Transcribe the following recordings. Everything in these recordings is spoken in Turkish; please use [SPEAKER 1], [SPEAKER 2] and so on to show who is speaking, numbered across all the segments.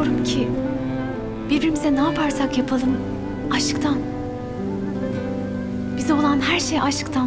[SPEAKER 1] Biliyorum ki birbirimize ne yaparsak yapalım aşktan. Bize olan her şey aşktan.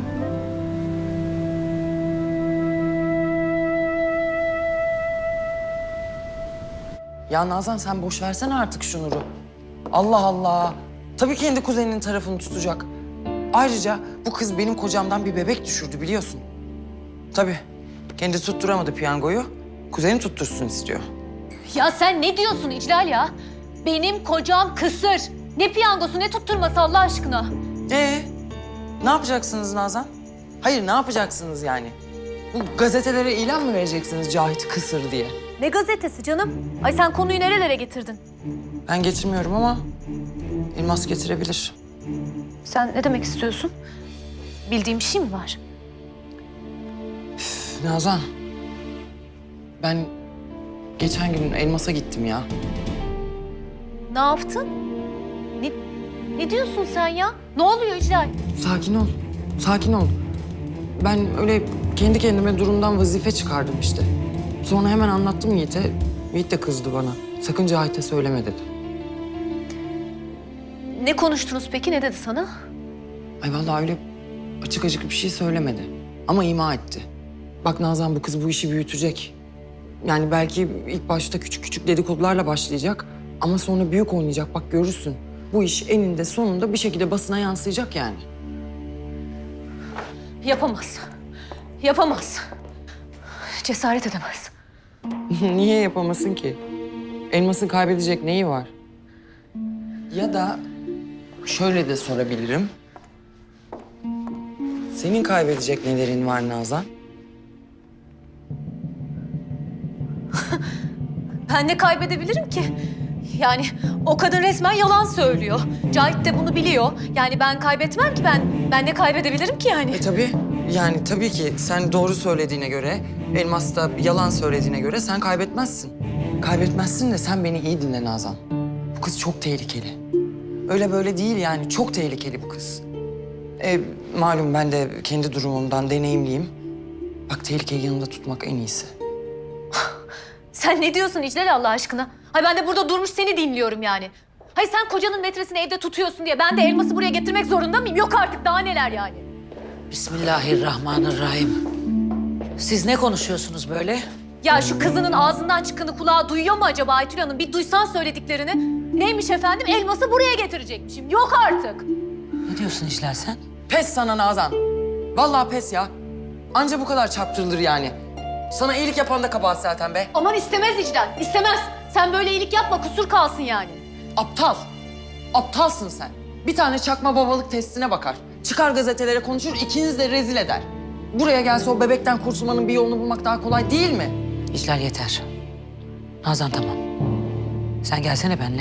[SPEAKER 2] Ya Nazan sen boş versene artık şu Nur'u. Allah Allah. Tabii kendi kuzeninin tarafını tutacak. Ayrıca bu kız benim kocamdan bir bebek düşürdü biliyorsun. Tabii. Kendi tutturamadı piyangoyu. Kuzeni tuttursun istiyor.
[SPEAKER 3] Ya sen ne diyorsun İclal ya? Benim kocam kısır. Ne piyangosu ne tutturması Allah aşkına.
[SPEAKER 2] Ne yapacaksınız Nazan? Hayır ne yapacaksınız yani? Bu gazetelere ilan mı vereceksiniz Cahit kısır diye?
[SPEAKER 3] Ne gazetesi canım? Ay sen konuyu nerelere getirdin?
[SPEAKER 2] Ben getirmiyorum ama Elmas getirebilir.
[SPEAKER 3] Sen ne demek istiyorsun? Bildiğim bir şey mi var?
[SPEAKER 2] Nazan, ben geçen gün Elmas'a gittim ya.
[SPEAKER 3] Ne yaptın? Ne diyorsun sen ya? Ne oluyor İclal?
[SPEAKER 2] Sakin ol, sakin ol. Ben öyle kendi kendime durumdan vazife çıkardım işte. Sonra hemen anlattım Yiğit'e. Yiğit de kızdı bana. Sakın Cahit'e söyleme dedi.
[SPEAKER 3] Ne konuştunuz peki? Ne dedi sana?
[SPEAKER 2] Ay vallahi öyle açık açık bir şey söylemedi. Ama ima etti. Bak Nazan bu kız bu işi büyütecek. Yani belki ilk başta küçük küçük dedikodularla başlayacak. Ama sonra büyük oynayacak bak görürsün. Bu iş eninde sonunda bir şekilde basına yansıyacak yani.
[SPEAKER 3] Yapamaz. Yapamaz. Cesaret edemez.
[SPEAKER 2] Niye yapamasın ki? Elmas'ın kaybedecek neyi var? Ya da şöyle de sorabilirim. Senin kaybedecek nelerin var Nazan?
[SPEAKER 3] Ben ne kaybedebilirim ki? Yani o kadın resmen yalan söylüyor. Cahit de bunu biliyor. Yani ben kaybetmem ki ben ne kaybedebilirim ki yani?
[SPEAKER 2] Tabii. Yani tabii ki sen doğru söylediğine göre, Elmas da yalan söylediğine göre sen kaybetmezsin. Kaybetmezsin de sen beni iyi dinle Nazan. Bu kız çok tehlikeli. Öyle böyle değil yani çok tehlikeli bu kız. Malum ben de kendi durumumdan deneyimliyim. Bak tehlikeyi yanında tutmak en iyisi.
[SPEAKER 3] Sen ne diyorsun İclal Allah aşkına? Hay ben de burada durmuş seni dinliyorum yani. Hay sen kocanın metresini evde tutuyorsun diye ben de Elmas'ı buraya getirmek zorunda mıyım? Yok artık daha neler yani.
[SPEAKER 4] Bismillahirrahmanirrahim. Siz ne konuşuyorsunuz böyle?
[SPEAKER 3] Ya şu kızının ağzından çıkanı kulağı duyuyor mu acaba Aytül Hanım? Bir duysan söylediklerini. Neymiş efendim? Elmas'ı buraya getirecekmişim. Yok artık.
[SPEAKER 4] Ne diyorsun İclal sen?
[SPEAKER 2] Pes sana Nazan. Vallahi pes ya. Anca bu kadar çarptırılır yani. Sana iyilik yapan da kabahat zaten be.
[SPEAKER 3] Aman istemez İclal, istemez. Sen böyle iyilik yapma, kusur kalsın yani.
[SPEAKER 2] Aptal. Aptalsın sen. Bir tane çakma babalık testine bakar. Çıkar gazetelere konuşur, ikiniz de rezil eder. Buraya gelse o bebekten kurtulmanın bir yolunu bulmak daha kolay değil mi?
[SPEAKER 4] İclal yeter. Nazan tamam. Sen gelsene benimle.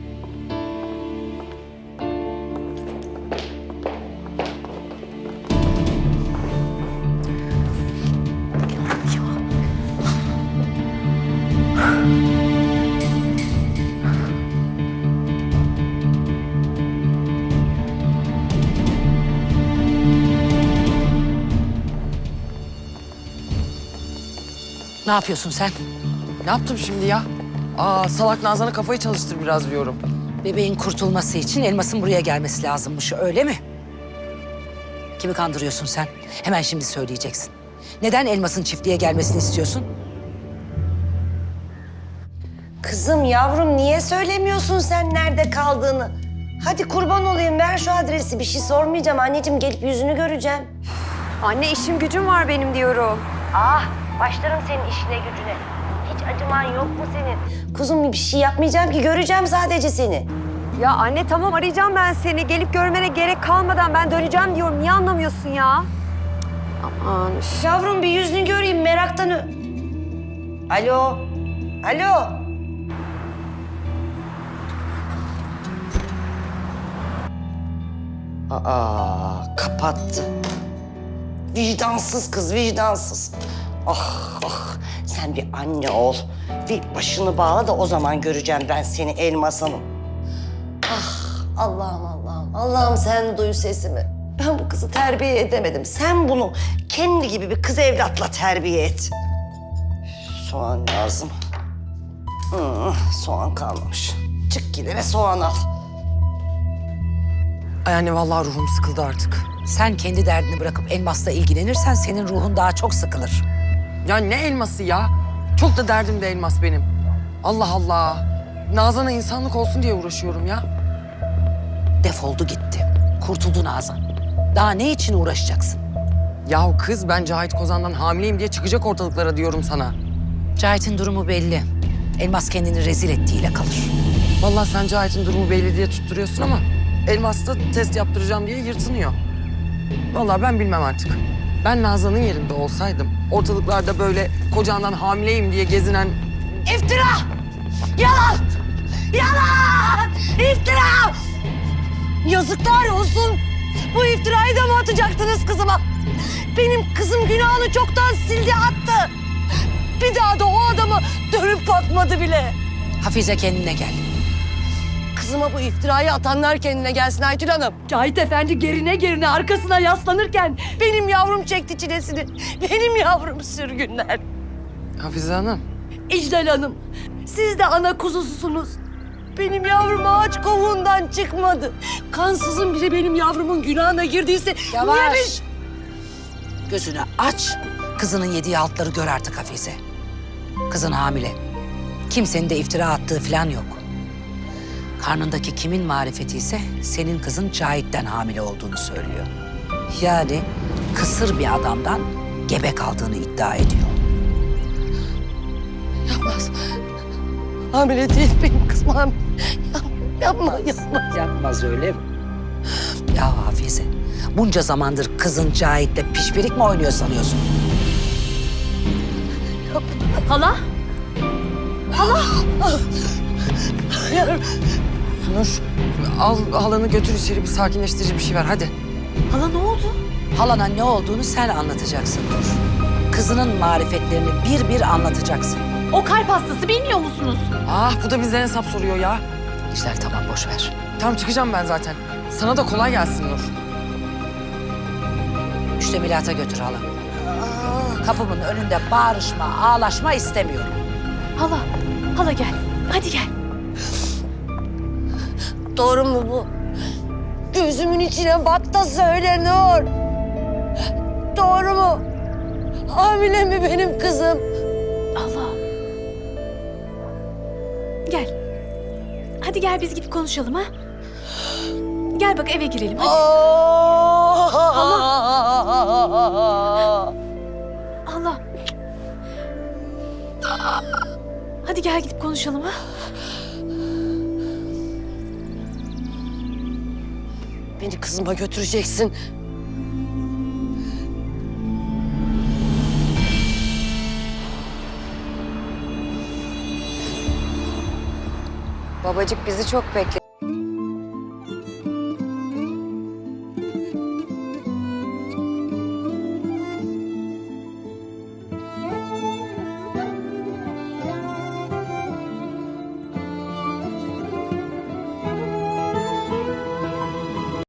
[SPEAKER 4] Ne yapıyorsun sen?
[SPEAKER 2] Ne yaptım şimdi ya? Salak Nazan'a kafayı çalıştır biraz diyorum.
[SPEAKER 4] Bebeğin kurtulması için Elmas'ın buraya gelmesi lazımmış, öyle mi? Kimi kandırıyorsun sen? Hemen şimdi söyleyeceksin. Neden Elmas'ın çiftliğe gelmesini istiyorsun?
[SPEAKER 5] Kızım, yavrum niye söylemiyorsun sen nerede kaldığını? Hadi kurban olayım ver şu adresi. Bir şey sormayacağım anneciğim, gelip yüzünü göreceğim.
[SPEAKER 6] Anne işim gücüm var benim diyorum.
[SPEAKER 5] Ah, başlarım senin işine gücüne. Hiç acıman yok mu senin? Kuzum bir şey yapmayacağım ki, göreceğim sadece seni.
[SPEAKER 6] Ya anne tamam arayacağım ben seni. Gelip görmene gerek kalmadan ben döneceğim diyorum. Niye anlamıyorsun ya? Aman üf.
[SPEAKER 5] Yavrum bir yüzünü göreyim meraktan Alo, alo. Kapattı. Vicdansız kız, vicdansız. Ah, ah, sen bir anne ol. Bir başını bağla da o zaman göreceğim ben seni Elmas Hanım. Ah, Allah'ım, Allah'ım, Allah'ım sen duy sesimi. Ben bu kızı terbiye edemedim. Sen bunu kendi gibi bir kız evlatla terbiye et. Soğan lazım. Soğan kalmamış. Çık git eve soğan al.
[SPEAKER 2] Ay anne vallahi ruhum sıkıldı artık.
[SPEAKER 4] Sen kendi derdini bırakıp Elmas'la ilgilenirsen senin ruhun daha çok sıkılır.
[SPEAKER 2] Ya ne elması ya? Çok da derdim de elmas benim. Allah Allah. Nazan'a insanlık olsun diye uğraşıyorum ya.
[SPEAKER 4] Defoldu gitti. Kurtuldu Nazan. Daha ne için uğraşacaksın?
[SPEAKER 2] Yahu kız ben Cahit Kozan'dan hamileyim diye çıkacak ortalıklara diyorum sana.
[SPEAKER 4] Cahit'in durumu belli. Elmas kendini rezil ettiğiyle kalır.
[SPEAKER 2] Vallahi sen Cahit'in durumu belli diye tutturuyorsun ama Elmas da test yaptıracağım diye yırtınıyor. Vallahi ben bilmem artık. Ben Nazan'ın yerinde olsaydım ortalıklarda böyle kocandan hamileyim diye gezinen...
[SPEAKER 5] İftira! Yalan! Yalan! İftira! Yazıklar olsun. Bu iftirayı da mı atacaktınız kızıma? Benim kızım günahını çoktan sildi attı. Bir daha da o adamı dönüp bakmadı bile.
[SPEAKER 4] Hafize kendine gel.
[SPEAKER 5] Kızıma bu iftirayı atanlar kendine gelsin Aytül Hanım.
[SPEAKER 7] Cahit Efendi gerine arkasına yaslanırken
[SPEAKER 5] Benim yavrum çekti çilesini. Benim yavrum sürgünler.
[SPEAKER 2] Hafize Hanım.
[SPEAKER 7] İclal Hanım, siz de ana kuzususunuz.
[SPEAKER 5] Benim yavrum ağaç kovuğundan çıkmadı. Kansızın biri benim yavrumun günahına girdiyse... niye
[SPEAKER 4] Yavaş. Gözünü aç. Kızının yediği altları gör artık Hafize. Kızın hamile. Kimsenin de iftira attığı falan yok. Karnındaki kimin marifeti ise senin kızın Cahit'ten hamile olduğunu söylüyor. Yani kısır bir adamdan gebe kaldığını iddia ediyor.
[SPEAKER 5] Yapmaz. Hamile değil benim kızım hamile. Yapma, yapma.
[SPEAKER 4] Yapmaz öyle mi? Ya Hafize, bunca zamandır kızın Cahit'le pişpirik mi oynuyor sanıyorsun?
[SPEAKER 3] Hala?
[SPEAKER 2] Nur al halanı götür içeri bir sakinleştirici bir şey ver hadi.
[SPEAKER 3] Hala ne oldu?
[SPEAKER 4] Halana ne olduğunu sen anlatacaksın Nur. Kızının marifetlerini bir bir anlatacaksın.
[SPEAKER 3] O kalp hastası bilmiyor musunuz?
[SPEAKER 2] Ah bu da bizden hesap soruyor ya.
[SPEAKER 4] İşler tamam boş ver.
[SPEAKER 2] Tamam çıkacağım ben zaten. Sana da kolay gelsin Nur.
[SPEAKER 4] Müştemilata götür hala. Kapımın önünde bağırışma, ağlaşma istemiyorum.
[SPEAKER 3] Hala gel. Hadi gel.
[SPEAKER 5] Doğru mu bu? Gözümün içine bak da söyle Nur. Doğru mu? Hamile mi benim kızım?
[SPEAKER 3] Allah. Gel. Hadi gel biz gidip konuşalım ha. Gel bak eve girelim hadi. Allah. Hadi gel gidip konuşalım ha.
[SPEAKER 5] Beni kızıma götüreceksin.
[SPEAKER 6] Babacık bizi çok bekle.